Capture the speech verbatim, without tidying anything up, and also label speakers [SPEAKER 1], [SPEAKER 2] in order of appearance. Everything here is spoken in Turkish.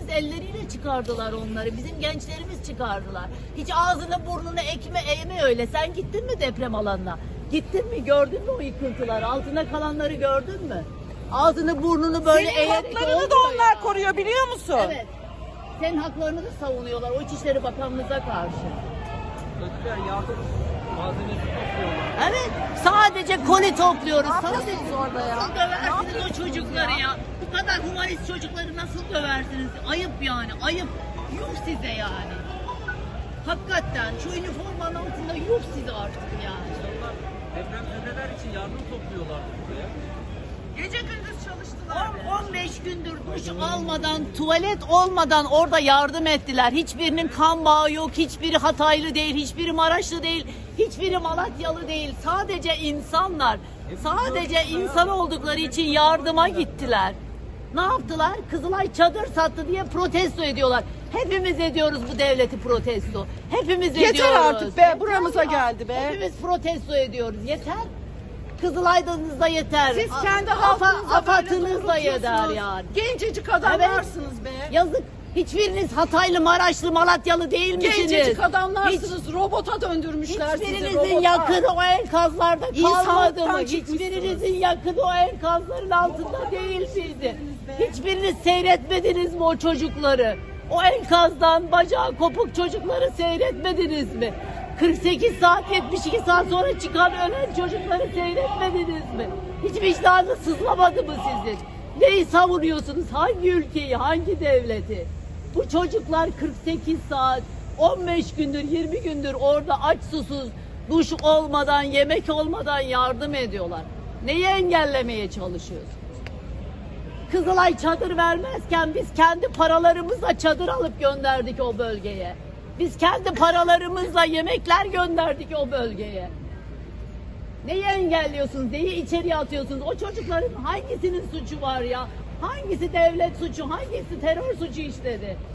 [SPEAKER 1] gençlerimiz elleriyle çıkardılar onları. Bizim gençlerimiz çıkardılar. Hiç ağzını burnunu ekme eğme öyle. Sen gittin mi deprem alanına? Gittin mi? Gördün mü o yıkıntıları? Altında kalanları gördün mü? Ağzını burnunu böyle
[SPEAKER 2] Senin
[SPEAKER 1] eğerek
[SPEAKER 2] haklarını da
[SPEAKER 1] olmuyor
[SPEAKER 2] onlar
[SPEAKER 1] ya.
[SPEAKER 2] koruyor biliyor musun?
[SPEAKER 1] Evet. Senin haklarını da savunuyorlar o İçişleri Bakanlığı'na karşı.
[SPEAKER 3] Kötüler yardım malzemesi topluyorlar.
[SPEAKER 1] Evet. Sadece koli topluyoruz.
[SPEAKER 2] Ne
[SPEAKER 1] Sadece
[SPEAKER 2] yapıyorsunuz orada ya?
[SPEAKER 1] Nasıl döversiniz o çocukları ya? Bu kadar humanist çocukları nasıl döversiniz? Ayıp yani. Ayıp. Yuh size yani. Hakikaten şu üniformanın altında yuh size artık yani.
[SPEAKER 3] İnsanlar depremzedeler için yardım topluyorlar buraya.
[SPEAKER 2] Gece gündüz çalıştılar.
[SPEAKER 1] on beş gündür duş almadan, tuvalet olmadan orada yardım ettiler. Hiçbirinin kan bağı yok, hiçbiri Hataylı değil, hiçbiri Maraşlı değil, hiçbiri Malatyalı değil. Sadece insanlar, sadece insan oldukları için yardıma gittiler. Ne yaptılar? Kızılay çadır sattı diye protesto ediyorlar. Hepimiz ediyoruz bu devleti protesto. Hepimiz
[SPEAKER 2] Yeter
[SPEAKER 1] ediyoruz.
[SPEAKER 2] artık be, buramıza geldi be.
[SPEAKER 1] Hepimiz protesto ediyoruz. Yeter. Kızılay'danızda yeter.
[SPEAKER 2] Siz kendi
[SPEAKER 1] A-
[SPEAKER 2] halkınıza
[SPEAKER 1] Afa-
[SPEAKER 2] böyle
[SPEAKER 1] Afatınızda yeter
[SPEAKER 2] doğrultuyorsunuz.
[SPEAKER 1] yani.
[SPEAKER 2] Gencecik adamlarsınız be.
[SPEAKER 1] Yazık. Hiçbiriniz Hataylı, Maraşlı, Malatyalı değil misiniz?
[SPEAKER 2] Gencecik adamlarsınız. Robota döndürmüşler sizi.
[SPEAKER 1] Hiçbirinizin
[SPEAKER 2] Robota.
[SPEAKER 1] yakını o enkazlarda kalmadı
[SPEAKER 2] İnsanlıktan
[SPEAKER 1] mı?
[SPEAKER 2] çıkmışsınız.
[SPEAKER 1] Hiçbirinizin yakını o enkazların altında değil miydi? Hiçbiriniz seyretmediniz mi o çocukları? O enkazdan bacağı kopuk çocukları seyretmediniz mi? kırk sekiz saat, yetmiş iki saat sonra çıkan ölen çocukları seyretmediniz mi? Hiç vicdanı sızlamadı mı sizin? Neyi savunuyorsunuz? Hangi ülkeyi, hangi devleti? Bu çocuklar kırk sekiz saat, on beş gündür, yirmi gündür orada aç susuz, duş olmadan, yemek olmadan yardım ediyorlar. Neyi engellemeye çalışıyorsunuz? Kızılay çadır vermezken biz kendi paralarımızla çadır alıp gönderdik o bölgeye. Biz kendi paralarımızla yemekler gönderdik o bölgeye. Neyi engelliyorsunuz? Neyi içeriye atıyorsunuz? O çocukların hangisinin suçu var ya? Hangisi devlet suçu? Hangisi terör suçu işledi?